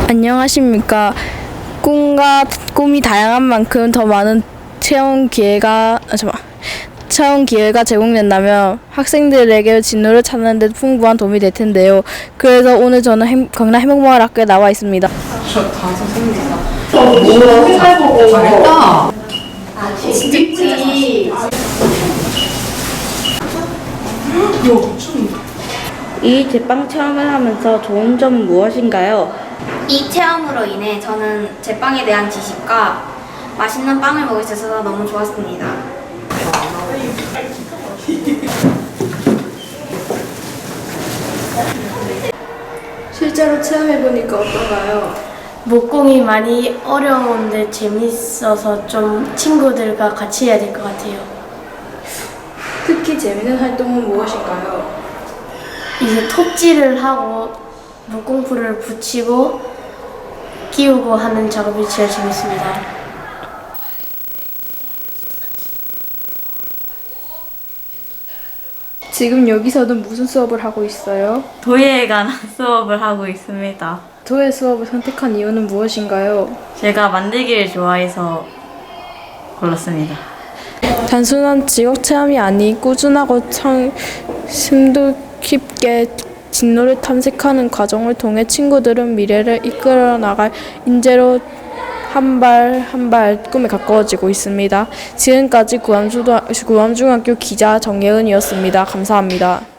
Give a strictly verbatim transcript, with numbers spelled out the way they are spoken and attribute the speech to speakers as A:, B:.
A: 안녕하십니까. 꿈과 꿈이 다양한 만큼 더 많은 체험 기회가 아, 잠깐 체험 기회가 제공된다면 학생들에게 진로를 찾는 데 풍부한 도움이 될 텐데요. 그래서 오늘 저는 행, 경남 해먹마을학교에 나와 있습니다.
B: 잘했다.
A: 이 제빵 체험을 하면서 좋은 점은 무엇인가요?
C: 이 체험으로 인해 저는 제빵에 대한 지식과 맛있는 빵을 먹을 수 있어서 너무 좋았습니다.
A: 실제로 체험해보니까 어떤가요?
D: 목공이 많이 어려운데 재밌어서 좀 친구들과 같이 해야 될 것 같아요.
A: 특히 재밌는 활동은 무엇인가요?
D: 이제 톱질을 하고 목공풀을 붙이고 끼우고 하는 작업이 제일 재밌습니다.
A: 지금 여기서는 무슨 수업을 하고 있어요?
E: 도예에 관한 수업을 하고 있습니다.
A: 도예 수업을 선택한 이유는 무엇인가요?
E: 제가 만들기를 좋아해서 골랐습니다.
A: 단순한 직업 체험이 아닌 꾸준하고 참 심도 깊게 진로를 탐색하는 과정을 통해 친구들은 미래를 이끌어 나갈 인재로 한 발 한 발 꿈에 가까워지고 있습니다. 지금까지 구암중학교 기자 정예은이었습니다. 감사합니다.